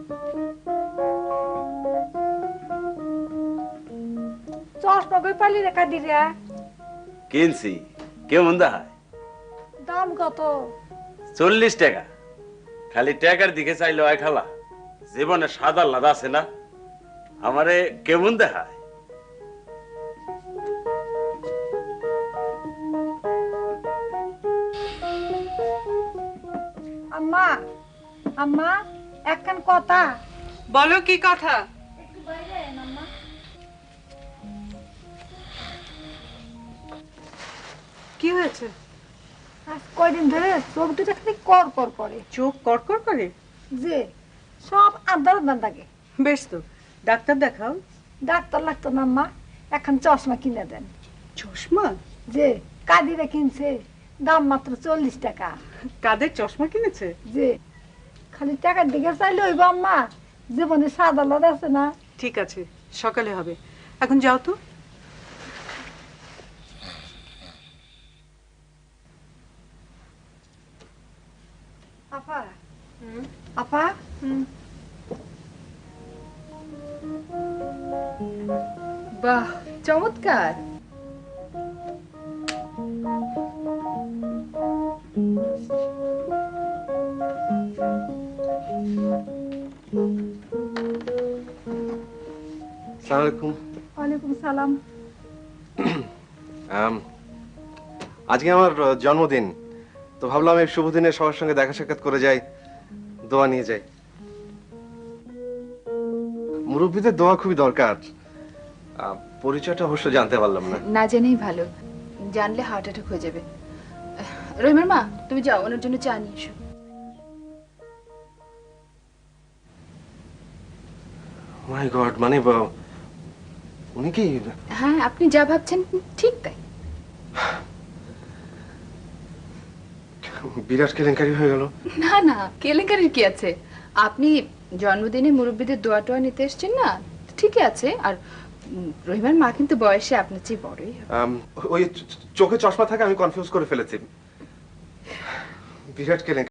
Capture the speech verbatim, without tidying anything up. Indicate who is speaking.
Speaker 1: চশমা কই পালি রে কাদিরা?
Speaker 2: কিনছি। কেমন দেখায়?
Speaker 1: দাম কত?
Speaker 2: চল্লিশ টাকা। খালি টাকার দিকে চাইলে হয় খালা? জীবনে সাদা লাদা আছে না? আমারে কেমন দেখায়?
Speaker 1: আম্মা, আম্মা একখান কথা।
Speaker 3: বলো কি কথা?
Speaker 1: একটু বাইরে আয় আম্মা।
Speaker 3: কি হয়েছে?
Speaker 1: আজ কয়দিন ধরে চোখ দুটা খালি কর কর করে।
Speaker 3: চোখ কড়কড় করে?
Speaker 1: যে সব আন্দার আন্দার লাগে।
Speaker 3: বেশ তো, ডাক্তার দেখাও।
Speaker 1: ডাক্তার লাগতো না আম্মা, এখন চশমা কিনে দেন।
Speaker 3: চশমা?
Speaker 1: যে কাদিরে কিনছে, দাম মাত্র চল্লিশ টাকা।
Speaker 3: কাদের চশমা কিনেছে?
Speaker 1: যে খালি টাকার দিকে চাইলে হইব আম্মা, জীবনে সাদা লাদ আছে না।
Speaker 3: ঠিক আছে, সকালে হবে। এখন যাও তো।
Speaker 1: আপা, আপা,
Speaker 4: বাহ, চমৎকার।
Speaker 5: আসসালামু আলাইকুম।
Speaker 1: ওয়ালাইকুম সালাম।
Speaker 5: আম, আজকে আমার আহ, জন্মদিন, তো ভাবলাম এই শুভ দিনে সবার সঙ্গে দেখা সাক্ষাৎ করে যাই, দোয়া নিয়ে যাই। মুরব্বীদের দোয়া খুবই দরকার। আহ, পরিচয়টা অবশ্য জানতে পারলাম না।
Speaker 4: না জেনেই ভালো, জানলে হার্ট অ্যাটাক হয়ে যাবে। রহিমের মা, তুমি যাও, ওনার জন্য চা নিয়ে এসো।
Speaker 5: মাই গড, মানে বা- উনি কি?
Speaker 4: হ্যাঁ, আপনি যা ভাবছেন ঠিক তাই।
Speaker 5: বিরাট কেলেঙ্কারি হয়ে গেল।
Speaker 4: না না, কেলেঙ্কারির কি আছে? আপনি জন্মদিনে মুরব্বীদের দোয়া টোয়া নিতে এসেছেন না, ঠিকই আছে। আর উম, রহিমের মা কিন্তু বয়সে আপনার চেয়ে বড়ই হবে।
Speaker 5: আম, ওই চ- চোখে চশমা থাকে, আমি কনফিউজ করে ফেলেছি। বিরাট কেলেঙ্কারি।